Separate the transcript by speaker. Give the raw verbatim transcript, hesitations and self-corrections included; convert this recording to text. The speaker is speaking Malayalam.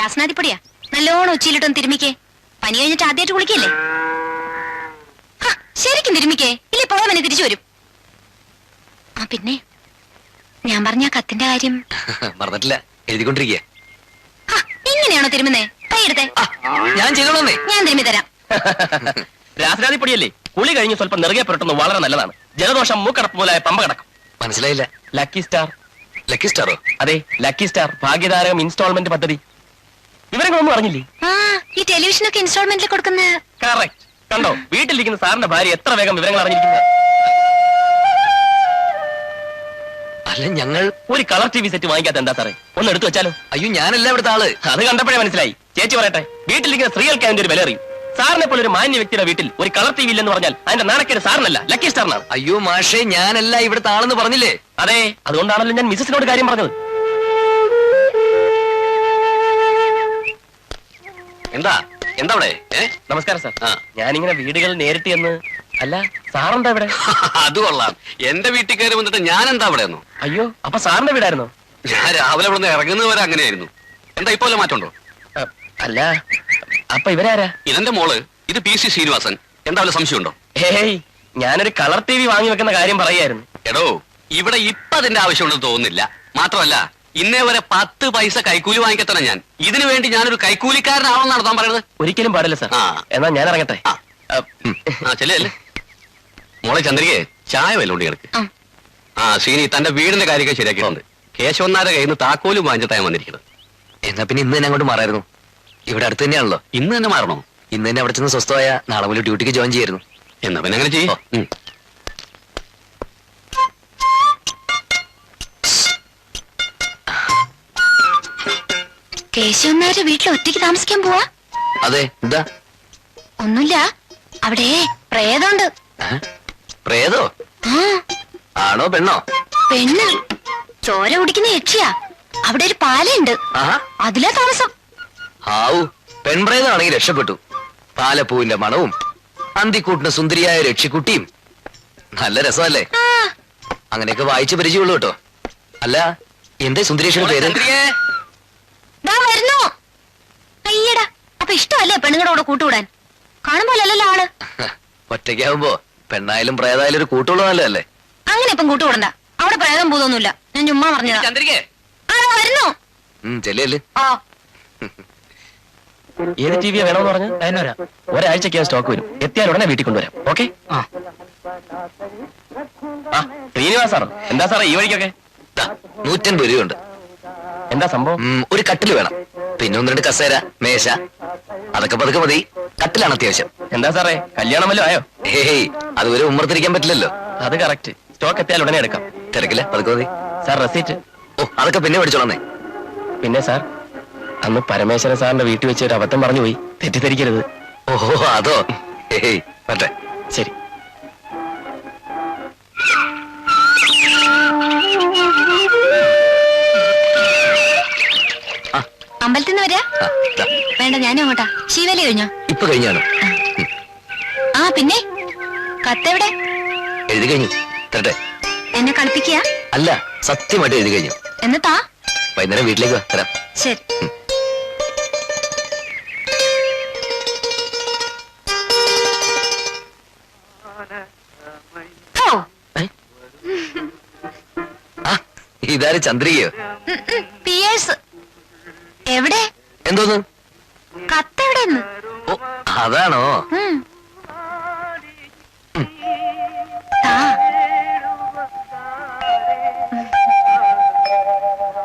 Speaker 1: രാസനാദിപ്പൊടിയാ, നല്ലോണം ഉച്ചയിലിട്ടൊന്ന് തിരുമിക്കേ. പനി കഴിഞ്ഞിട്ട് ആദ്യമായിട്ട് കുളിക്കല്ലേ? ശരിക്കും തിരുമിക്കേ, ഇല്ലേ പോവാൻ തിരിച്ചു വരും. ആ പിന്നെ ഞാൻ പറഞ്ഞ കത്തിന്റെ കാര്യം
Speaker 2: മറന്നിട്ടില്ല, എഴുതിക്കൊണ്ടിരിക്കുക.
Speaker 1: ഇങ്ങനെയാണോ തിരുമുന്നേ? കൈയെടുത്തേ,
Speaker 2: ഞാൻ ചെയ്തോളന്നേ.
Speaker 1: ഞാൻ തിരുമ്മി തരാം.
Speaker 3: രാസനാദിപ്പൊടിയല്ലേ, കുളി കഴിഞ്ഞ് സ്വല്പം നെറുകെ പുരട്ടുന്നത് വളരെ നല്ലതാണ്. ജലദോഷം മൂക്കടപ്പ് പോലായ പമ്പ കിടക്കും.
Speaker 2: മനസ്സിലായില്ല.
Speaker 3: Lucky star.
Speaker 2: ലക്കി സ്റ്റാറോ?
Speaker 3: അതെ, ലക്കി സ്റ്റാർ ഭാഗ്യതാരകം ഇൻസ്റ്റാൾമെന്റ് പദ്ധതി. വിവരങ്ങളൊന്നും അറിഞ്ഞില്ലേ?
Speaker 1: ആ, ഈ ടെലിവിഷനൊക്കെ ഇൻസ്റ്റാൾമെന്റിൽ കൊടുക്കുന്ന.
Speaker 3: കറക്റ്റ്. കണ്ടോ, വീട്ടിലിരിക്കുന്ന സാറിന്റെ ഭാര്യ എത്ര വേഗം വിവരങ്ങൾ അറിഞ്ഞിരിക്കുന്നത്.
Speaker 2: അല്ല, ഞങ്ങൾ
Speaker 3: ഒരു കളർ ടി വി സെറ്റ് വാങ്ങിക്കാത്ത എന്താ സാറേ? ഒന്ന് എടുത്തു വെച്ചാലോ?
Speaker 2: അയ്യോ, ഞാനല്ല ഇവിടുത്തെ ആള്.
Speaker 3: അത് കണ്ടപ്പോഴേ മനസ്സിലായി. ചേച്ചി പറയട്ടെ, വീട്ടിലിരിക്കുന്ന സ്ത്രീകൾക്ക് അതിന്റെ ഒരു വില അറിയും. സാറിനെ പോലെ ഒരു മാന്യ വ്യക്തിയുടെ വീട്ടിൽ ഒരു കളർ ടി വി ഇല്ലെന്ന് പറഞ്ഞാൽ അതിന്റെ നാണക്കേട് സാറിനല്ല, ലക്കി സ്റ്റാറിനാണ്.
Speaker 2: അയ്യോ മാഷേ, ഞാനല്ല ഇവിടുത്തെ ആളെന്ന് പറഞ്ഞില്ലേ?
Speaker 3: അതെ, അതുകൊണ്ടാണല്ലോ ഞാൻ മിസ്സസിനോട് കാര്യം പറഞ്ഞത്.
Speaker 2: എന്താ എന്താ അവിടെ?
Speaker 3: നമസ്കാരം സാർ. ഞാനിങ്ങനെ വീടുകൾ നേരിട്ട് എന്ന്. അല്ല, സാറെന്താ ഇവിടെ?
Speaker 2: അത് കൊള്ളാം. എന്റെ വീട്ടിൽ കയറി വന്നിട്ട് ഞാൻ എന്താ അവിടെ?
Speaker 3: അയ്യോ, അപ്പൊ സാറിന്റെ വീടായിരുന്നോ?
Speaker 2: ഞാൻ രാവിലെ ഇവിടെ നിന്ന് ഇറങ്ങുന്നത് വരെ അങ്ങനെയായിരുന്നു. എന്താ ഇപ്പോലെ മാറ്റമുണ്ടോ?
Speaker 3: അല്ല, അപ്പൊ ഇവരാരാ?
Speaker 2: ഇതെന്റെ മോള്, ഇത് പി സി ശ്രീനിവാസൻ. എന്താ വല്ല സംശയമുണ്ടോ?
Speaker 3: ഹേയ്, ഞാനൊരു കളർ ടി വി വാങ്ങി വെക്കുന്ന കാര്യം പറയായിരുന്നു.
Speaker 2: എടോ, ഇവിടെ ഇപ്പൊ അതിന്റെ ആവശ്യമുണ്ടെന്ന് തോന്നുന്നില്ല. മാത്രമല്ല, ഇന്നേ വരെ പത്ത് പൈസ കൈക്കൂലി വാങ്ങിക്കത്തണം ഞാൻ. ഇതിനു വേണ്ടി ഞാനൊരു കൈക്കൂലിക്കാരനാണെന്നാണ് താൻ പറയുന്നത്?
Speaker 3: ഒരിക്കലും പാടില്ല സാർ. എന്നാ ഞാൻ ഇറങ്ങട്ടെ.
Speaker 2: ചെല്ലേ മോളെ ചന്ദ്രികയെ ചായ വല്ലോണ്ട് കിടക്ക്. ആ ശ്രീനി, തന്റെ വീടിന്റെ കാര്യമൊക്കെ ശരിയാക്കിയിട്ടുണ്ട്. കേശവന്നാരുടെ കയ്യിൽ നിന്ന് താക്കോലും വാങ്ങിച്ചിട്ടാണ് വന്നിരിക്കുന്നത്. എന്നാ പിന്നെ ഇന്ന് തന്നെ അങ്ങോട്ട് മാറായിരുന്നു. ഇവിടെ അടുത്ത് തന്നെയാണല്ലോ. ഇന്ന് തന്നെ മാറണോ? ഇന്ന് തന്നെ അവിടെ ചെന്ന് സ്വസ്ഥമായ നാളെ മുതൽ ഡ്യൂട്ടിക്ക് ജോയിൻ ചെയ്യായിരുന്നു. എന്നാ പിന്നെ അങ്ങനെ ചെയ്യോ.
Speaker 1: കേശവന്മാരുടെ വീട്ടിൽ ഒറ്റയ്ക്ക് താമസിക്കാൻ പോവാ?
Speaker 2: അതെ. എന്താ?
Speaker 1: ഒന്നുമില്ല, അവിടെ പ്രേതമുണ്ട്.
Speaker 2: പ്രേതോ? ആണോ പെണ്ണോ?
Speaker 1: പെണ്ണ്. ചോര കുടിക്കുന്ന യക്ഷിയാ. അവിടെ ഒരു പാലയുണ്ട്, അതിലാ താമസം.
Speaker 2: ആവു, പെൺപ്രേതമാണെങ്കിൽ രക്ഷപ്പെട്ടു. പാലപ്പൂവിന്റെ മണവും അന്തിക്കൂട്ടിന് സുന്ദരിയായ രക്ഷിക്കുട്ടിയും. നല്ല രസമല്ലേ? അങ്ങനെയൊക്കെ വായിച്ച് പരിചയമുള്ളൂ കേട്ടോ. അല്ല, എന്റെ സുന്ദരേഷിയുടെ പേര്?
Speaker 1: വരുന്നു. അയ്യടാ, അപ്പൊ ഇഷ്ടമല്ലേ പെണ്ണുങ്ങളുടെ കൂട്ടുകൂടാൻ? കാണുമ്പോലല്ലോ ആള്.
Speaker 2: ഒറ്റയ്ക്കാവുമ്പോ പെണ്ണായാലും പ്രേതായാലും ഒരു കൂട്ടുള്ള നല്ലതല്ലേ?
Speaker 1: അങ്ങനെ ഇപ്പം കൂട്ടുകൂടണ്ട. അവിടെ പ്രേതം പൂതൊന്നുമില്ല. ഞാൻ ചുമ്മാ പറഞ്ഞതാ. വരുന്നു.
Speaker 2: ചെല്ലേ.
Speaker 3: ഏത് ടി വിയാ വേണമെന്ന് പറഞ്ഞു? അതിനൊരാ ഒരാഴ്ചക്ക് സ്റ്റോക്ക് വരും. എത്തിയാൽ ഉടനെ വീട്ടിൽ കൊണ്ടുവരാം. ഓക്കെ. ആ ശ്രീനിവാസ് സാറോ? എന്താ സാറേ ഈ വഴിക്കൊക്കെ?
Speaker 2: നൂറ്റൻപത് രൂപയുണ്ട്.
Speaker 3: എന്താ സംഭവം?
Speaker 2: ഒരു കട്ടില് വേണം, പിന്നെ ഒന്ന് രണ്ട് കസേര, മേശ, അതൊക്കെ പതുക്കെ മതി. കട്ടിലാണ് അത്യാവശ്യം.
Speaker 3: എന്താ സാറേ, കല്യാണം വല്ലതും ആയോ?
Speaker 2: ഏയ്, അതുവരെ ഉമ്മർത്തിരിക്കാൻ പറ്റില്ലല്ലോ.
Speaker 3: അത് കറക്റ്റ്. സ്റ്റോക്ക് എത്തിയാൽ ഉടനെ എടുക്കാം.
Speaker 2: തിരക്കില്ല, പതുക്കെ മതി.
Speaker 3: Sir receipt?
Speaker 2: ഓ, അതൊക്കെ പിന്നെ പഠിച്ചോളന്നേ.
Speaker 3: പിന്നെ സാർ, അന്ന് പരമേശ്വരൻ സാറിന്റെ വീട്ടിൽ വെച്ച് ഒരു അബദ്ധം പറഞ്ഞു പോയി, തെറ്റിദ്ധരിക്കരുത്.
Speaker 2: ഓഹോ, അതോ? ഏയ് പറ്റേ.
Speaker 3: ശരി.
Speaker 1: അമ്പലത്തിൽ നിന്ന് വരാ? വേണ്ട, ഞാനും അങ്ങോട്ടാ. ശിവലി കഴിഞ്ഞോ?
Speaker 2: ഇപ്പൊ കഴിഞ്ഞാണ്.
Speaker 1: ആ പിന്നെ കത്തെവിടെ?
Speaker 2: എഴുതി കഴിഞ്ഞു. തരട്ടെ?
Speaker 1: എന്നെ കളിപ്പിക്കുക?
Speaker 2: അല്ല, സത്യമായിട്ട് എഴുതി കഴിഞ്ഞു.
Speaker 1: എന്നിട്ടാ
Speaker 2: വൈകുന്നേരം വീട്ടിലേക്ക് വാ, തരാം.
Speaker 1: ശരി.
Speaker 2: ഇതാര്, ചന്ദ്രികയോ?
Speaker 1: പിയേഴ്സ്. എവിടെ?
Speaker 2: എന്തോന്ന്?
Speaker 1: കത്തെവിടെന്ന്?
Speaker 2: അതാണോ?